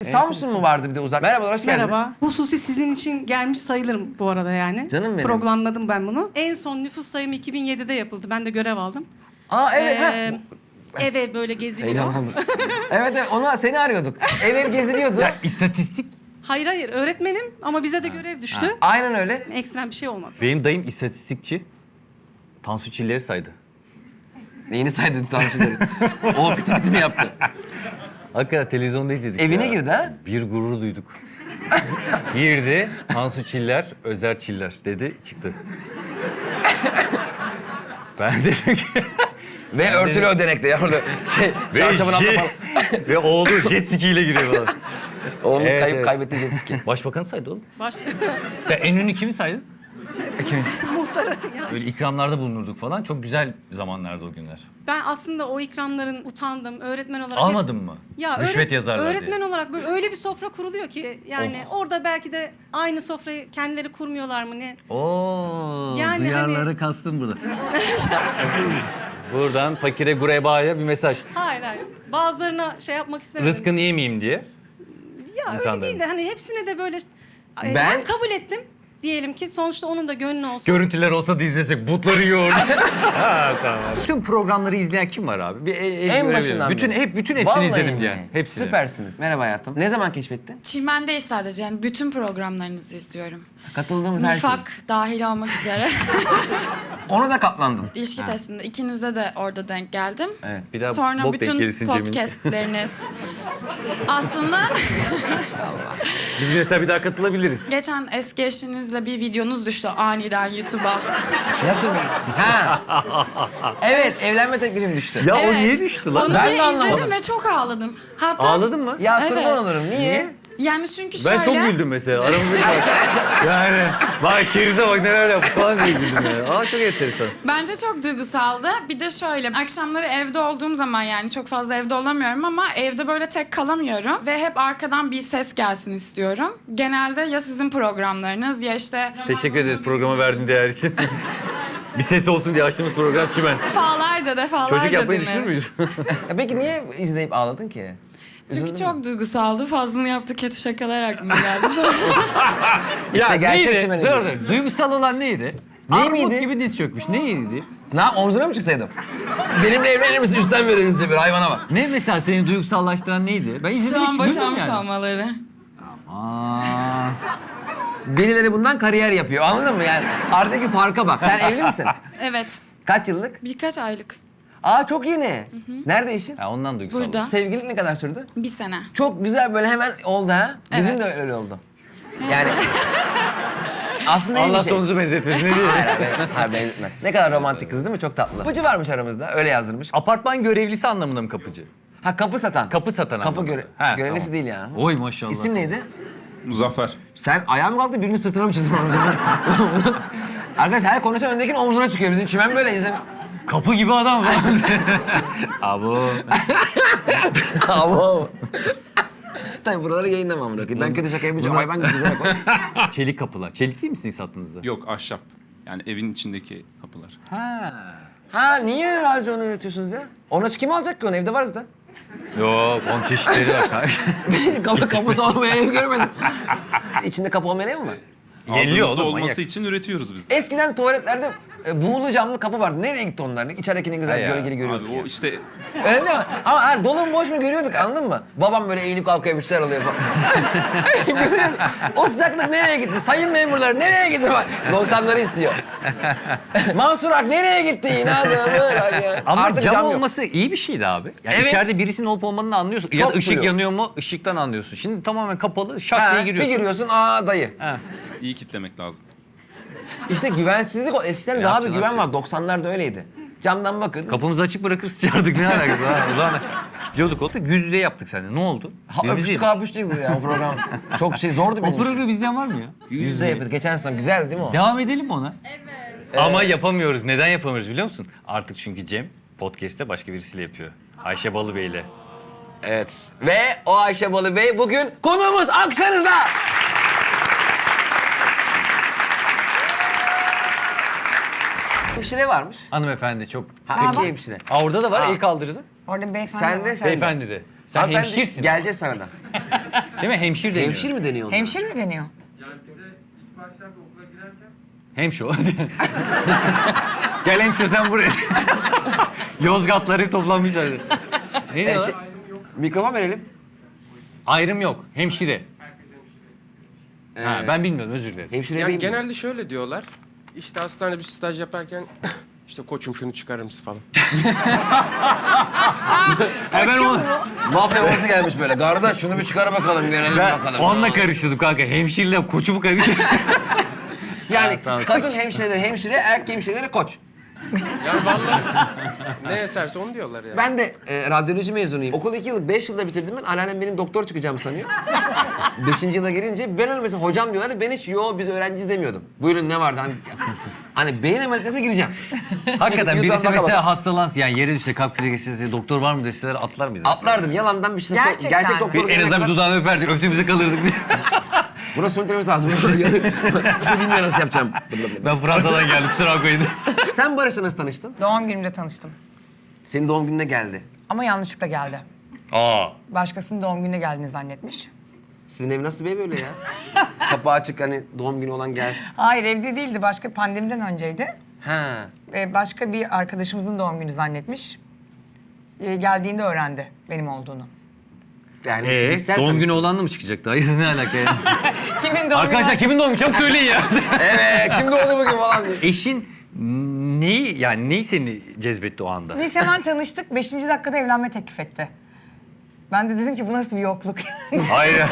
Samsun mu vardı bir de uzak? Merhabalar, hoş geldiniz. Merhaba. Hususi sizin için gelmiş sayılırım bu arada yani. Canım benim. Programladım ben bunu. En son nüfus sayımı 2007'de yapıldı. Ben de görev aldım. Aa evet. Ev böyle geziliyor. Heyecanlandım. evet, seni arıyorduk. Ev geziliyordu. Ya istatistik. Hayır öğretmenim ama bize de görev düştü. Aynen öyle. Ekstrem bir şey olmadı. Benim dayım istatistikçi. Tansu Çiller'i saydı. Neyini saydın tanışıları? O piti piti mi yaptı? Hakikaten televizyonda izledik. Evine ya. girdi ha? Bir gurur duyduk. Girdi, Tansu Çiller, Özer Çiller dedi, çıktı. Ben dedim ki... Ve örtülü ödenekte ya orada çarşafın altında falan. Ve oğlu jet ski ile giriyor falan. Oğlum Evet, evet. kaybetti jet ski. Başbakanı saydı oğlum. Baş... Sen en ünlü kimi saydın? Muhtarı yani. Böyle ikramlarda bulunurduk falan. Çok güzel zamanlardı o günler. Ben aslında o ikramların utandım. Öğretmen olarak... Almadın mı? Ya Rüşvet yazarlar öğretmen diye. olarak böyle öyle bir sofra kuruluyor ki yani orada belki de aynı sofrayı kendileri kurmuyorlar mı ne? Oo, Yani duyarları hani- kastım burada. Buradan fakire gurebaya bir mesaj. Hayır. Bazılarına şey yapmak istemedim. Rızkını yemeyeyim diye. Ya öyle İnsanların. değil de hani hepsine de böyle Ben- ben kabul ettim. Diyelim ki sonuçta onun da gönlü olsun. Görüntüler olsa da izlesek butları yiyordu. Ha tamam. Tüm programları izleyen kim var abi? Bir el En görebilirim. başından bütün beri. bütün hepsini Vallahi izledim mi? yani. Hepsini. Süpersiniz. Merhaba hayatım. Ne zaman keşfettin? Çimen'deyiz sadece. Yani bütün programlarınızı izliyorum. Katıldığımız her şey. Nifak dahil olmak üzere. Ona da katlandım. İlişki testinde ikinize de orada denk geldim. Evet. Bir daha Sonra bok denk bütün gelirsin Cemil. podcastleriniz. Aslında Biz mesela bir daha katılabiliriz. geçen eski eşinizle bir videonuz düştü aniden YouTube'a. Nasıl bir? Ha. Evet, evlenme teklifim düştü. Ya o Evet. niye düştü lan? Onu Ben bir de anlamadım. izledim ve çok ağladım. Hatta Ağladın mı? Ya Evet. kurban olurum. Niye? yani çünkü Ben şöyle... çok güldüm mesela. Aramızda yani bak kerize bak neler yaptı falan diye güldüm yani. Aa çok enteresan. Bence çok duygusaldı. Bir de şöyle, akşamları evde olduğum zaman yani çok fazla evde olamıyorum ama evde böyle tek kalamıyorum. Ve hep arkadan bir ses gelsin istiyorum. Genelde ya sizin programlarınız ya işte... Teşekkür ederiz programa verdiğin değer için. Bir ses olsun diye açtığımız program Çimen. Defalarca Çocuk yapmayı düşünür dinlerim. müyüz? Ya peki niye izleyip ağladın ki? Çünkü Üzüldün mü? çok duygusaldı. Fazlını yaptı, kötü şakalar aklıma geldi. İşte gerçek neydi? Çimen'i Dur, dinliyorum. dur. Duygusal olan neydi? Ne Armut miydi? gibi diz çökmüş. Neydi? Omzuna mı çıksaydım? Benimle evlenir misin? Üstten verir misin? Bir hayvana bak. Ne mesela seni duygusallaştıran neydi? Ben Şu izledim an hiç bilmiyorum boşanmış yani. olmaları. Aa. Birileri bundan kariyer yapıyor. Anladın mı yani? Aradaki farka bak. Sen evli misin? Evet. Kaç yıllık? Birkaç aylık. Aa çok yeni. Nerede işin? Ya ondan duygusal. Burada. Sevgililik ne kadar sürdü? Bir sene. Çok güzel böyle hemen oldu ha. Bizim Evet. de öyle oldu. Yani aslında iyi bir Allah şey. sonunuzu benzetmesin. Ne diyeyim? Hayır benzetmez. Ne kadar romantik kız değil mi? Çok tatlı. Kapıcı varmış aramızda. Öyle yazdırmış. Apartman görevlisi anlamında mı kapıcı? Ha kapı satan. Kapı satan Kapı anlamında. Ha, görevlisi tamam. değil yani. Oy maşallah. İsim neydi? Muzaffer. Sen ayağın mı kalktı birinin sırtına mı çizdin onu? Arkadaş her konuşan öndekinin omzuna çıkıyor. Bizim çimen böyle izleme. Kapı gibi adam var. Abo. Ama tabii buraları yayınlamam bırakayım. Ben kötü şaka yapacağım. Hayvan gibi güzel koy. Çelik kapılar. Çelik değil misin sattığınızda? Yok ahşap. Yani evin içindeki kapılar. Ha. Ha niye sadece onu üretiyorsunuz ya? Onu kim alacak ki onu? Evde var zaten. Yok, onun çeşitleri var. Kapısı olmayan ev görmedim. İçinde kapı olmayan ev mi var? Geliyor Aldığımızda oğlum, olması manyak. için üretiyoruz biz. Eskiden tuvaletlerde buğulu camlı kapı vardı. Nereye gitti onlar? İçerideki ne güzel Ha ya. gölgeli görüyorduk Abi ya. o işte Öyle değil mi? Ama dolu mu boş mu görüyorduk anladın mı? Babam böyle eğilip kalkıyor bir şeyler oluyor falan. Görüyorum. O sıcaklık nereye gitti? Sayın memurlar nereye gitti? 90'ları istiyor. Mansur Ak nereye gitti? İnadımı. Ama Artık cam cam yok. olması iyi bir şeydi abi. Yani Evet. içeride birisinin olup olmadığını anlıyorsun. Ya da Çok ışık flu. yanıyor mu? Işıktan anlıyorsun. Şimdi tamamen kapalı, şak Ha, diye bir giriyorsun. giriyorsun dayı. Ha. iyi kitlemek lazım. İşte güvensizlik eskiden daha bir yapacaksın, güven yapacaksın. var. 90'larda öyleydi. Camdan bakıyordun. Kapımızı açık bırakır sıçardık ne alakası var? O zaman kilitliyorduk oldu. Yüz yüze yaptık seninle. Ne oldu? Öpüştük öpüştük ya o program. Çok zordu benim O için. programı izleyen var mı ya? Yüz yüze yapıyorduk. Geçen sene güzel değil mi o? Devam edelim mi ona? Evet. Ama yapamıyoruz. Neden yapamıyoruz biliyor musun? Artık çünkü Cem podcast'te başka birisiyle yapıyor. Ayşe Balıbey'le. Evet. Ve o Ayşe Balı Bey bugün konuğumuz alkışlarınızla. Hemşire varmış. Hanımefendi çok... Ha, iki hemşire. Aa, orada da var Aa. el kaldırdı. Orada beyefendi Sen de var. sen de. Beyefendi de. Sen Hanımefendi, hemşirsin. Geleceğiz sana da. Değil mi? Hemşir deniyor. Hemşir mi deniyor ona? Hemşire mi deniyor? Hemşo. Gel hemşo sen buraya. Yozgatları toplamışlar. Ne diyorlar? Mikrofon verelim. Ayrım yok. Hemşire. Ha, ben bilmiyorum, özür dilerim. Hemşire Yani bey mi? genelde şöyle diyorlar. İşte hastanede bir staj yaparken işte koçum şunu çıkarır mısın falan. Ben, Mafya babası gelmiş böyle. Kardeş şunu bir çıkar bakalım, görelim bakalım. onunla karıştırdım kanka. Hemşirle koçu mu karıştırdım? Yani Tamam. kadın hemşireleri hemşire, erkek hemşireleri koç. Yani vallahi ne eserse onu diyorlar yani. Ben de radyoloji mezunuyum. Okulu 2 yıllık, 5 yılda bitirdim ben. Anneannem benim doktor çıkacağım sanıyor. 5. yıla gelince ben öyle mesela hocam diyorlar. Ben hiç biz öğrenciyiz demiyordum. Buyurun ne vardı? Hani beyin ameliyatına gireceğim. Hakikaten YouTube birisi baka mesela baka. hastalansın, yani yere düşse, kalp krizi geçirse, doktor var mı deseler atlar mıydın? Atlardım yalandan bir şey. Gerçekten Gerçek mi? doktor En gelene azından bir kadar dudağını öperdik, öptüğümüzde kalırdık diye. buna söylemesi lazım. İşte bilmiyorum nasıl yapacağım. Ben Fransa'dan geldim, kusura bakmayın. Sen Barış'la nasıl tanıştın? Doğum günümde tanıştım. Senin doğum gününe geldi. Ama yanlışlıkla geldi. Aa. Başkasının doğum gününe geldiğini zannetmiş. Sizin ev nasıl bir ev böyle ya? Kapağı açık hani doğum günü olan gelsin. Hayır, evde değildi. Başka pandemiden önceydi. Ha. Başka bir arkadaşımızın doğum günü zannetmiş. Geldiğinde öğrendi benim olduğunu. Yani fiziksel Doğum günü tanıştın. olanla mı çıkacaktı? Hayır, ne alaka ya? Kimin doğum Arkadaşlar günü? kimin doğum günü? Çabuk söyleyin ya. Evet, kim doğdu bugün falan diyor. Eşin neyi seni cezbetti o anda? Biz hemen tanıştık. 5. dakikada evlenme teklif etti. Ben de dedim ki bu nasıl bir yokluk? Hayır.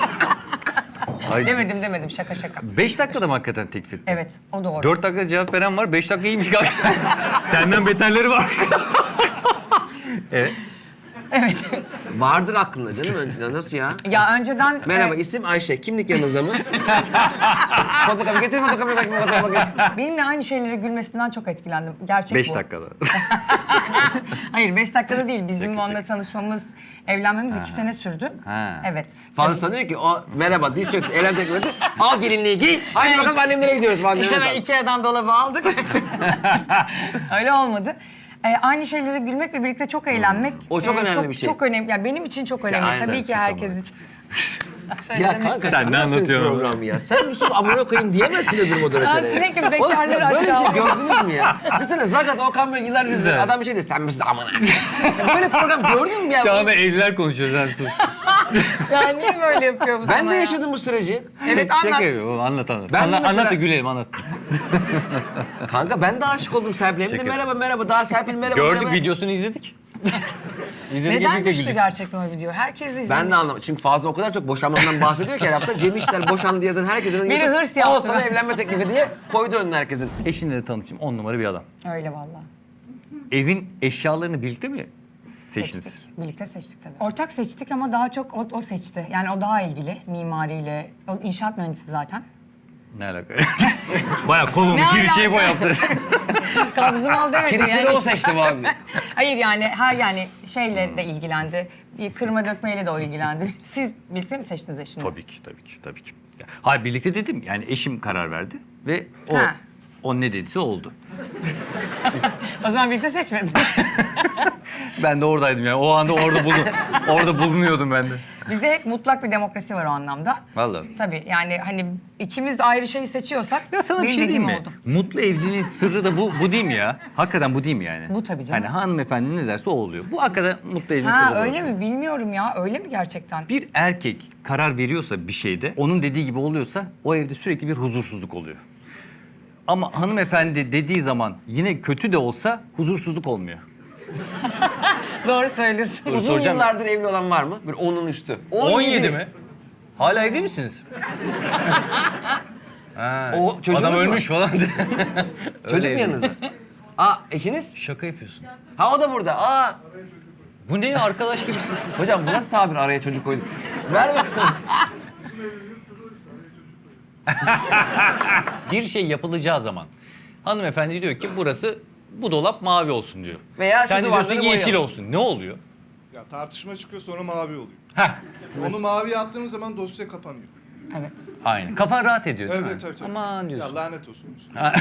Hayır. demedim şaka şaka. 5 dakikada mı hakikaten teklif etti? Evet, o doğru. 4 dakikada cevap veren var, 5 dakika iyiymiş galiba. Senden beterleri var. Evet. Evet. Vardır aklında canım. Nasıl ya? Ya önceden... Merhaba, isim Ayşe. Kimlik yanınızda mı? Fotokopi getir, fotokopi getir. Benimle aynı şeylere gülmesinden çok etkilendim. Gerçek 5 bu. dakikada. Hayır 5 dakikada değil. Bizim Şaka, onunla şaka. tanışmamız, evlenmemiz 2 sene sürdü. Ha. Evet. Fazla sanıyor ki o merhaba, diz çöktü, elem teklif etti. Al gelinliği giy. Haydi bakalım annemlere gidiyoruz falan diyoruz. Hemen Ikea'dan dolabı aldık. Öyle olmadı. Aynı şeylere gülmek ve birlikte çok eğlenmek. O çok önemli bir şey. Çok önemli. Yani benim için çok önemli. aynen. Tabii ki Sus herkes ama. için. Şöyle Ya demek kanka istiyorum. sen ne nasıl bir anlatıyorsun? program ya? Sen bir sus amına koyayım diyemezsin öbür moderatöre. Ya sürekli Oğlum bekarları sen böyle bir şey aşağı- gördünüz mü ya? Mesela Zagat Okan Bey yıllar yüzü adam bir şey diyor. Sen misin amına? Böyle program gördün mü ya? Şu anda evliler konuşuyor sen sus. Ya niye böyle yapıyor bu sana Ben de ya? yaşadım bu süreci. Evet Şaka anlat. yapıyorum, anlat. Ben de Anlat mesela- da gülelim, anlat. Kanka ben de aşık oldum Serpil'e. Hem de Şaka. merhaba daha Serpil merhaba. Gördük, merhaba. videosunu izledik. İzledik, Neden birlikte düştü güldük. gerçekten o video? Herkes de izlemiş. Ben de anlamadım. Çünkü fazla o kadar çok boşanmadan bahsediyor ki her hafta. Cem İşler boşandı yazan herkesin önüne Biri getirip, hırs yaptı "Al sana bence." evlenme teklifi diye koydu önüne herkesin. Eşinle de tanıştım, 10 numara bir adam. Öyle vallahi. Evin eşyalarını birlikte mi seçtiniz? Seçtik. Birlikte seçtik tabii. Ortak seçtik ama daha çok o seçti. Yani o daha ilgili mimariyle. O inşaat mühendisi zaten. Ne alaka? Bayağı kolumu Ne bir şey alaka? yaptı. Kabzım al demedi Kirişleri yani. o seçti falan diye. Hayır yani şeyle de ilgilendi. Bir kırma dökmeyle de o ilgilendi. Siz birlikte mi seçtiniz eşini? Tabii ki. Hayır, birlikte dedim, yani eşim karar verdi ve Ha. o ne dediyse oldu. O zaman birlikte seçmediniz. Ben de oradaydım yani, o anda orada bulunuyordum ben de. Bizde hep mutlak bir demokrasi var o anlamda. Vallahi. Tabii yani hani ikimiz ayrı şeyi seçiyorsak Ya sana bir benim şey diyeyim dediğim mi? oldu. Mutlu evliliğin sırrı da bu değil mi ya? Hakikaten bu değil mi yani? Bu tabii canım. Hani hanımefendi ne derse o oluyor. Bu hakikaten mutlu evliliğin sırrı Ha da öyle bu. mi? Bilmiyorum ya. Öyle mi gerçekten? Bir erkek karar veriyorsa bir şeyde, onun dediği gibi oluyorsa o evde sürekli bir huzursuzluk oluyor. Ama hanımefendi dediği zaman yine kötü de olsa huzursuzluk olmuyor. Doğru söylüyorsun. Uzun soracağım. yıllardır evli olan var mı? Böyle 10'un üstü. 17 mi? Hala evli misiniz? O çocuğunuz Adam mu? ölmüş falan. Çocuk Öyle mu yanınızda? Aa eşiniz? Şaka yapıyorsun. Ha o da burada. Aa. Bu ne ya, arkadaş gibisiniz siz. Hocam bu nasıl tabir, araya çocuk koyduk? Ver bakalım. Bir şey yapılacağı zaman hanımefendi diyor ki bu dolap mavi olsun diyor. Veya şu Sen de duvarları diyorsun yeşil boyayalım. olsun. Ne oluyor? Ya tartışma çıkıyor sonra mavi oluyor. Heh. Onu mavi yaptığımız zaman dosya kapanıyor. Evet. Aynen. Kafan rahat ediyor değil mi? Evet, evet. Aman diyorsun. Ya lanet olsun.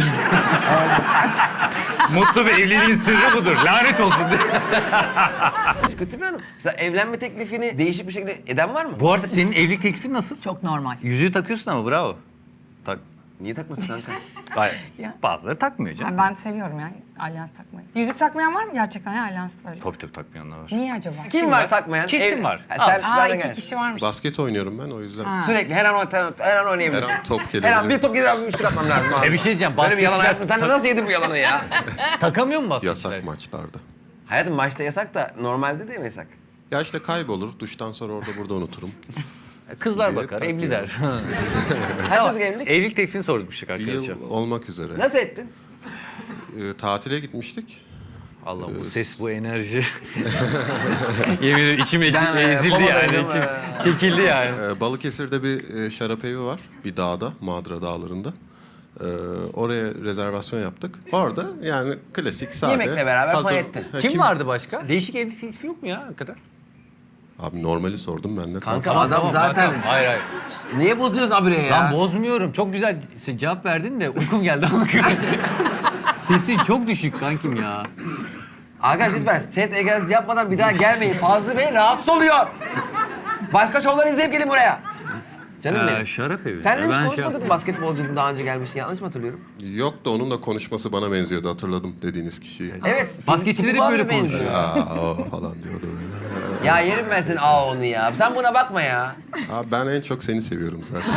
Mutlu bir evliliğin sırrı budur. Lanet olsun diye. Hiç kötü bir hanım. Mesela evlenme teklifini değişik bir şekilde eden var mı? Bu arada senin evlilik teklifin nasıl? Çok normal. Yüzüğü takıyorsun ama bravo. Tak. Niye takmasın kanka? Hayır. Ya. Bazıları takmıyor canım. Yani ben seviyorum ya alyans takmayı. Yüzük takmayan var mı gerçekten ya alyans öyle? Tabii tabii takmayanlar var. Niye acaba? Kim var takmayan? Kesin var. Ha, sen Aa, nereden 2 geldin? kişi varmış. Basket oynuyorum ben o yüzden. Sürekli her an oynayabilirsin. Her an top Her gelebilir. an bir top gelir abi üçlük atmam lazım abi. Bir şey diyeceğim. Böyle bir yalan basketçiler hayatım. Sen de nasıl yedin bu yalanı ya? takamıyor mu basketçiler? Yasak maçlarda. Hayatım maçta yasak da normalde değil mi yasak? Ya işte kaybolur. Duştan sonra orada burada unuturum. Kızlar Diye bakar, takmıyor. evli der. Kaç yıllık evlilik? Evlilik teklifini sormuştuk Bir arkadaşlar. yıl olmak üzere. Nasıl ettin? Tatile gitmiştik. Allah bu ses, bu enerji. Yemin ederim içim Ben, ezildi yani. komadaydım, İçim çekildi yani. Balıkesir'de bir şarap evi var. Bir dağda, Madra Dağları'nda. Oraya rezervasyon yaptık. Orada yani klasik sade. Yemekle beraber fay ettin. Ha, Kim vardı başka? Değişik evlilik teklifi yok mu ya hakikaten? Abi normali sordum ben de. Kanka adam zaten... Hayır hayır. Niye bozuyorsun abiye ya? Ben bozmuyorum. Çok güzel cevap verdin de uykum geldi. Sesin çok düşük kankim ya. Arkadaş lütfen ses egzersizi yapmadan bir daha gelmeyin. Fazlı Bey rahatsız oluyor. Başka şovlar izleyip gelin buraya. Canım benim. Şarap evi. Senle hiç Ben konuşmadık mı basketbolcuydun daha önce gelmiştin? Yanlış mı hatırlıyorum? Yok da onun da konuşması bana benziyordu. Hatırladım dediğiniz kişiyi. Evet. Basketçiler hep falan böyle da benziyor. O falan diyordu öyle. Ya yerim ben senin onu ya. Sen buna bakma ya. Abi ben en çok seni seviyorum zaten.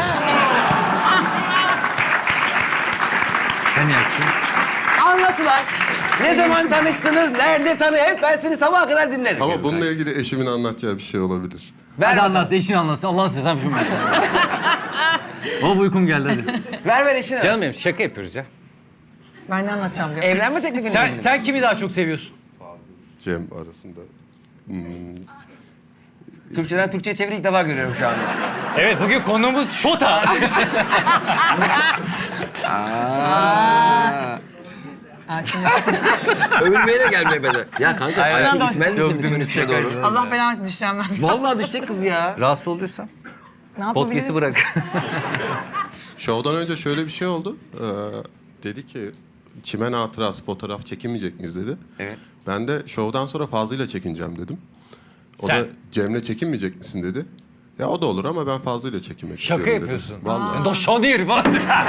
Sen yaksın. Anlatılan. Ne zaman tanıştınız? Nerede hep ben seni sabaha kadar dinlerim. Ama bununla ilgili eşimin anlatacağı bir şey olabilir. Ver Hadi bakalım. anlatsın, eşin anlatsın. Allah'ını seversen şunu. Baba uykum geldi hadi. Ver eşini. Canım benim şaka yapıyoruz ya. Ben ne anlatacağım diyor. Evlenme teklifini Sen, mi? sen kimi daha çok seviyorsun? Cem arasında. Türkçeden Türkçe'ye çeviri ilk defa görüyorum şu anda. Evet bugün konuğumuz Şota. Övülmeyle gelmeye bedel. Ya kanka Hayır, Ayşe hayır. gitmez Yok, misin lütfen dümdüz üstüne şaka doğru? yapıyorum. Allah belanı düşeceğim ben. Vallahi düşecek kız ya. Rahatsız oluyorsan Ne yapabilirim? podcast'i bırak. Şovdan önce şöyle bir şey oldu. Dedi ki çimen hatırası fotoğraf çekinmeyecek miyiz dedi. Evet. Ben de şovdan sonra Fazlı'yla çekineceğim dedim. O Sen? da Cem'le çekinmeyecek misin dedi. Ya o da olur ama ben Fazlı'yla çekinmek Şaka istiyorum yapıyorsun. dedi. Vallahi. Doşanır falan.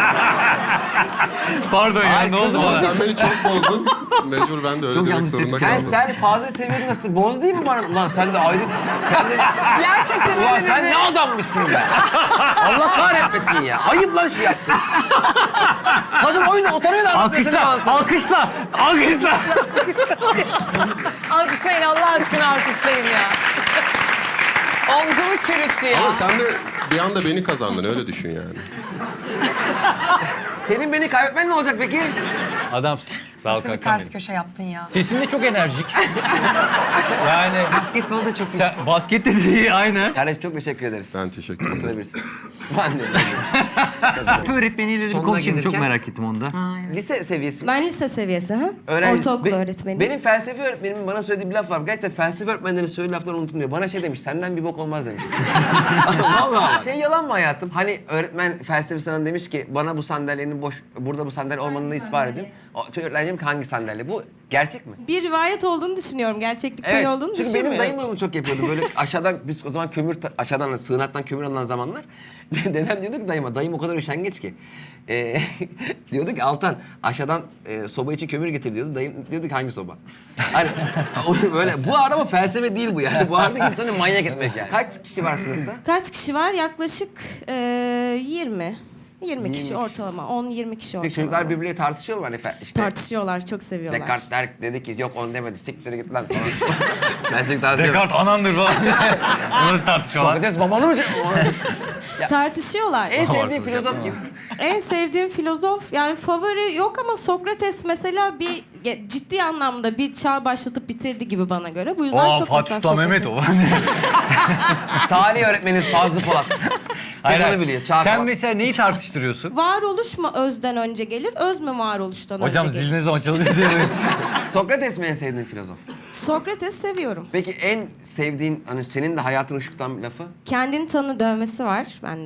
Pardon ya Ay, ne kız oldu Ama bana? sen beni çok bozdun. Mecbur ben de öyle Çok demek yanlış zorunda ettim. Yani kaldım. sen fazla seviyordun nasıl? Boz değil mi bana? Ulan sen de ayrı... Sen de... Gerçekten Ulan öyle sen dedi. ne adammışsın be? Allah kahretmesin ya. Ayıp lan şu yaptın. Kadın o yüzden utanıyor da anlatmasını Alkışla, alkışla, alkışla. Alkışlayın Allah aşkına alkışlayın ya. Omzumu çürüttü ya. Ama sen de bir anda beni kazandın öyle düşün yani. Senin beni kaybetmen ne olacak peki? Adamsın. Sağ ol Nasıl bir kankam ters benim. köşe yaptın ya. Sesin de çok enerjik. Yani Basketbolu da çok iyi. sen baskette de iyi aynı. Kardeş çok teşekkür ederiz. Ben teşekkür ederim. Oturabilirsin. Ben de. Tıp öğretmeniyle de bir Sonuna konuşayım. Çok gelirken- merak ettim onda. Lise seviyesi mi? Ben lise seviyesi ha. Öğrenci- Ortaokul Be- öğretmeniyim. Benim felsefe öğretmenimin bana söylediği bir laf var. Gerçekten felsefe öğretmenlerinin söylediği laflar unutulmuyor. Bana şey demiş, senden bir bok olmaz demişti. Vallahi. Şey yalan mı hayatım? Hani öğretmen felsefe sana demiş ki bana bu sandalyenin boş, burada bu sandalye olmadığını ispat edin. Öğretmenim ki hangi sandalye? Bu gerçek mi? Bir rivayet olduğunu düşünüyorum. Gerçeklik payı olduğunu Çünkü düşünmüyorum. benim dayım da onu çok yapıyordu. Böyle aşağıdan, biz o zaman aşağıdan sığınaktan kömür alınan zamanlar. Dedem diyordu ki dayıma, dayım o kadar üşengeç ki. Diyordu ki Altan aşağıdan soba için kömür getir diyordu. Dayım diyordu ki hangi soba? Hani böyle bu arada ama felsefe değil bu yani. Bu arada insanı manyak etmek yani. Kaç kişi var sınıfta? Kaç kişi var? Yaklaşık 20. 20 kişi kişi. ortalama. 10-20 kişi ortalama. Peki çocuklar birbirleriyle tartışıyor mu? Hani işte Tartışıyorlar, çok seviyorlar. Descartes dedi ki yok on demedi. Siktir git lan falan. Ben sizi tartışıyorum. Descartes anandır falan. Nasıl tartışıyorlar? Sokrates babanı mı? Tartışıyorlar. En sevdiğin filozof kim? En sevdiğim filozof yani favori yok ama Sokrates mesela bir ciddi anlamda bir çağ başlatıp bitirdi gibi bana göre. Bu yüzden Aa çok Fatih mesela Sultan Mehmet o. Sokrates. Tarih öğretmeniniz Fazlı Polat. Hayır, Tek onu hayır. biliyor. Çağ Sen Polat. mesela neyi tartıştırıyorsun? Varoluş mu özden önce gelir, öz mü varoluştan Hocam önce gelir? ziliniz açıldı diye. Sokrates mi en sevdiğin filozof? Sokrates seviyorum. Peki en sevdiğin, hani senin de hayatını ışıktan bir lafı? Kendini tanı dövmesi var bende.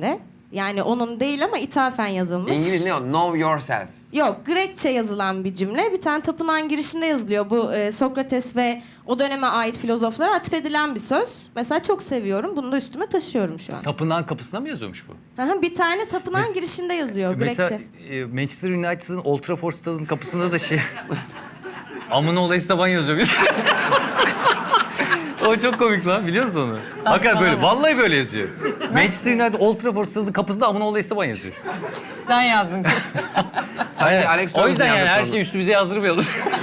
Yani onun değil ama ithafen yazılmış. İngiliz ne o? Know yourself. Yok, Grekçe yazılan bir cümle. Bir tane tapınağın girişinde yazılıyor. Bu Sokrates ve o döneme ait filozoflara atfedilen bir söz. Mesela çok seviyorum. Bunu da üstüme taşıyorum şu an. Tapınağın kapısına mı yazıyormuş bu? Aha, bir tane tapınağın girişinde yazıyor Mesela Grekçe. Manchester United'ın Old Trafford stadının kapısında da şey... Amına olayı Esteban yazıyor. O çok komik lan, biliyor musun onu? Hakikaten böyle, vallahi böyle yazıyor. Manchester United Old Trafford stadının kapısında Amına olayı Esteban yazıyor. Sen yazdın kız. Sanki Alex O yüzden Ferguson yani her yazdı şeyi üstümüze yazdırmayalım.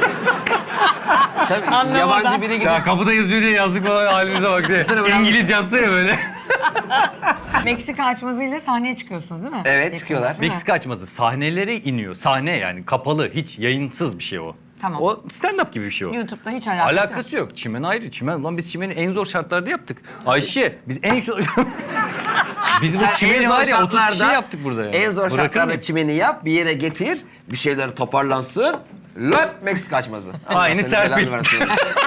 Tabii Anlamadan. yabancı biri gidip Ya kapıda yazıyor diye yazdık falan halimize bak diye. Mesela ben- İngiliz yazsa ya böyle. Meksika açmazıyla sahneye çıkıyorsunuz değil mi? Evet, çıkıyorlar. Değil mi? Meksika açması sahnelere iniyor. Sahne yani kapalı, hiç yayınsız bir şey o. Tamam. O stand-up gibi bir şey o. YouTube'da hiç alakası, Alakası yok. Çimen ayrı. Çimen lan biz çimeni en zor şartlarda yaptık. Ayşe biz en zor... biz bu Sen en çimeni zor var ya 30 kişi şartlarda, yaptık burada yani. en zor Bırakır şartlarda mıyım? çimeni yap, bir yere getir, bir şeyler toparlansın. Löp Meksika açmazı. Allah Aynı senin Serpil. belanı versin.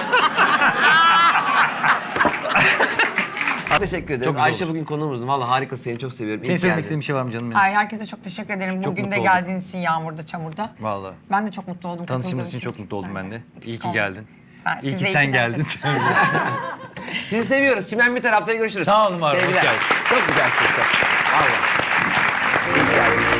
Teşekkür ederiz. güzel Ayşe olmuş. bugün konuğumuz. Vallahi harikasın, seni çok seviyorum. Senin İyi ki söylemek geldin. istediğin bir şey var mı canım benim? Hayır, herkese çok teşekkür ederim. Çok Bugün de mutlu oldum. geldiğiniz için yağmurda, çamurda. Vallahi. Ben de çok mutlu oldum. Tanıştığımız katıldığım için çok mutlu oldum ben de. Eksik İyi ki olma. geldin. Siz İyi de ki sen geldin. Sizi seviyoruz. Çimen bir tarafta görüşürüz. Sağ olun var olun, hoş Sevgiler. geldin. Çok güzelsiniz. Vallahi. İyi ki geldiniz.